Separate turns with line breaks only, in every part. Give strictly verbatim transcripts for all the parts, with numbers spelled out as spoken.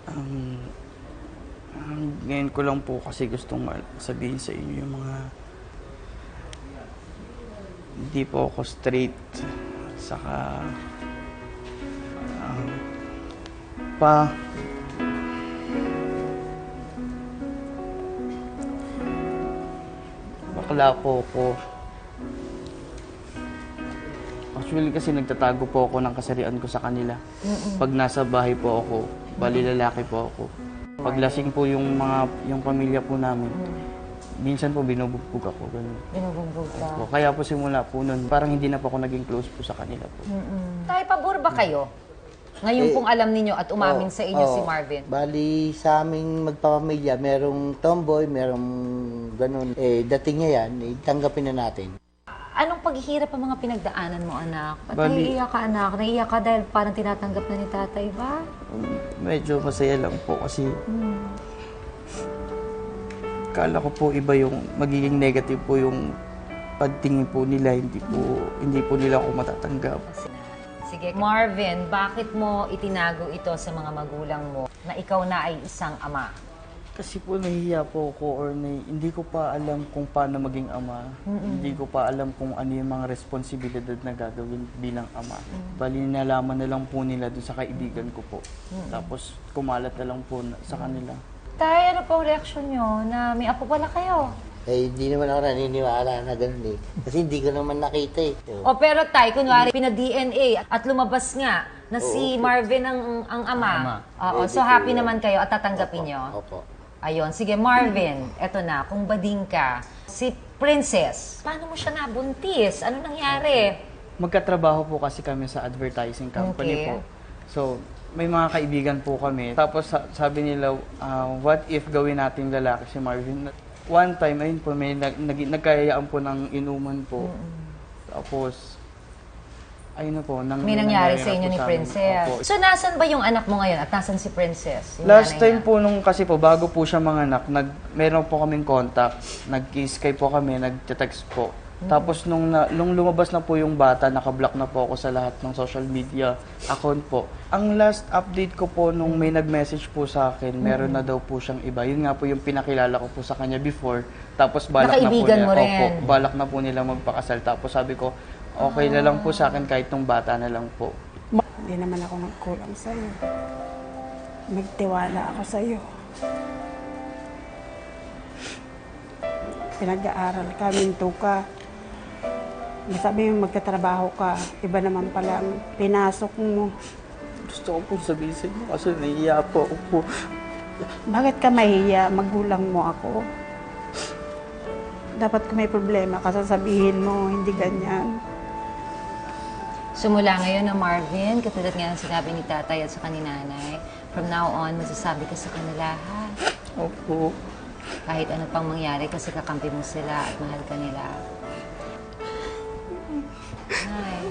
Um, um, ngayon ko lang po kasi gustong sabihin sa inyo yung mga hindi po ako straight. Saka um, pa bakla po ako. Actually kasi nagtatago po ako ng kasarian ko sa kanila. Mm-mm. Pag nasa bahay po ako, bali lalaki po ako. Pag lasing po yung mga yung pamilya po namin, mm. minsan po binubugbog ako. Ganun.
Binubugbog ka?
Po. Kaya po simula po nun, parang hindi na po ako naging close po sa kanila po.
Mm-mm. Tay, pabor ba kayo? Ngayon
Eh,
pong alam ninyo at umamin
oh,
sa inyo
oh,
si Marvin.
Bali, sa aming magpapamilya, merong tomboy, merong ganun. Eh, dating niya yan, eh, tanggapin na natin.
Anong paghihirap ang mga pinagdaanan mo, anak? Ba't
Bali-
naiiyak ka, anak? Naiiyak ka dahil parang tinatanggap na ni tatay ba?
Um, medyo masaya lang po kasi
Hmm.
kala ko po iba yung magiging negative po yung pagtingin po nila, hindi po hindi po nila ako matatanggap.
Sige, Marvin, bakit mo itinago ito sa mga magulang mo na ikaw na ay isang ama?
Kasi po nahihiya po ako or na, hindi ko pa alam kung paano maging ama. Mm-mm. Hindi ko pa alam kung ano yung mga responsibilidad na gagawin bilang ama. Mm-hmm. Bali, nalaman na lang po nila doon sa kaibigan ko po. Mm-hmm. Tapos kumalat na lang po na, sa kanila.
Tay, ano pong reaksyon nyo na may apo pala kayo?
Eh, hindi naman ako naniniwala na ganun eh. Kasi hindi ko naman nakita eh.
O pero Tay, kunwari, pina-D N A at lumabas nga na si
Oo.
Marvin ang, ang ama.
Ama.
Oo,
Pwede
so
po
happy
yun.
naman kayo at tatanggapin nyo?
Opo.
Ayun, sige Marvin, eto na, kung bading ka, si Princess, paano mo siya nabuntis? Ano nangyari?
Magkatrabaho po kasi kami sa advertising company
Okay.
po. So, may mga kaibigan po kami. Tapos sa- sabi nila, ah, what if gawin natin lalaki si Marvin? One time, ayun po, may nag, nag, nagkayayaan po ng inuman po. Tapos, ayun na po. Nang,
May nangyari
na
sa inyo
po
ni
amin.
Princess.
Opo.
So, nasan ba yung anak mo ngayon at nasan si Princess? Yung
Last
nanay
time
niya?
po nung kasi po, bago po siya manganak, nag, meron po kaming contact. Nag-Skype po kami, nag-text po. Tapos nung, na, nung lumabas na po yung bata, nakablock na po ako sa lahat ng social media account po. Ang last update ko po nung may nag-message po sa akin, meron na daw po siyang iba. Yun nga po yung pinakilala ko po sa kanya before. Tapos balak na po
Nakaibigan
nila.
mo rin.
Opo, balak na po nila magpakasal. Tapos sabi ko, okay na lang po sa akin kahit nung bata na lang po.
Hindi naman ako nagkulang sa'yo. Nagtiwala ako sa'yo. Pinag-aaral ka, minto ka. Sabi mo magtatrabaho ka, iba naman pala ang pinasok mo.
Gusto ko po sabihin sa inyo kasi naiiya po ako po.
Bakit ka mahiya? Magulang mo ako. Dapat kung may problema ka, sasabihin mo, hindi ganyan.
Sumula ngayon na Marvin, katulad nga ng sinabi ni tatay at sa kaninanay, from now on, masasabi ka sa kanila, ha?
Opo.
Kahit ano pang mangyari kasi kakampi mo sila at mahal ka nila. Hi.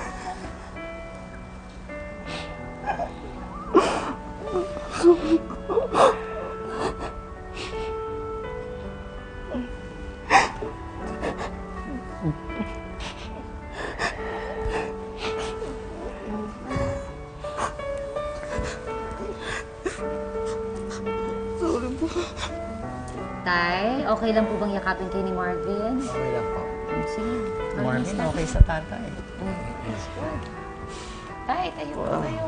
Sorry po.
Tay, okay lang po bang yakapin kayo ni Marvin?
Okay lang po.
Sige.
Marvin,
Marvin,
okay sa tatay.
Tay, tayo po kayo.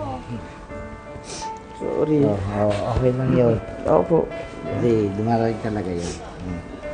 Sorry.
Oh, oh, okay lang yun.
Opo.
Kasi dumarating talaga yun. Hmm.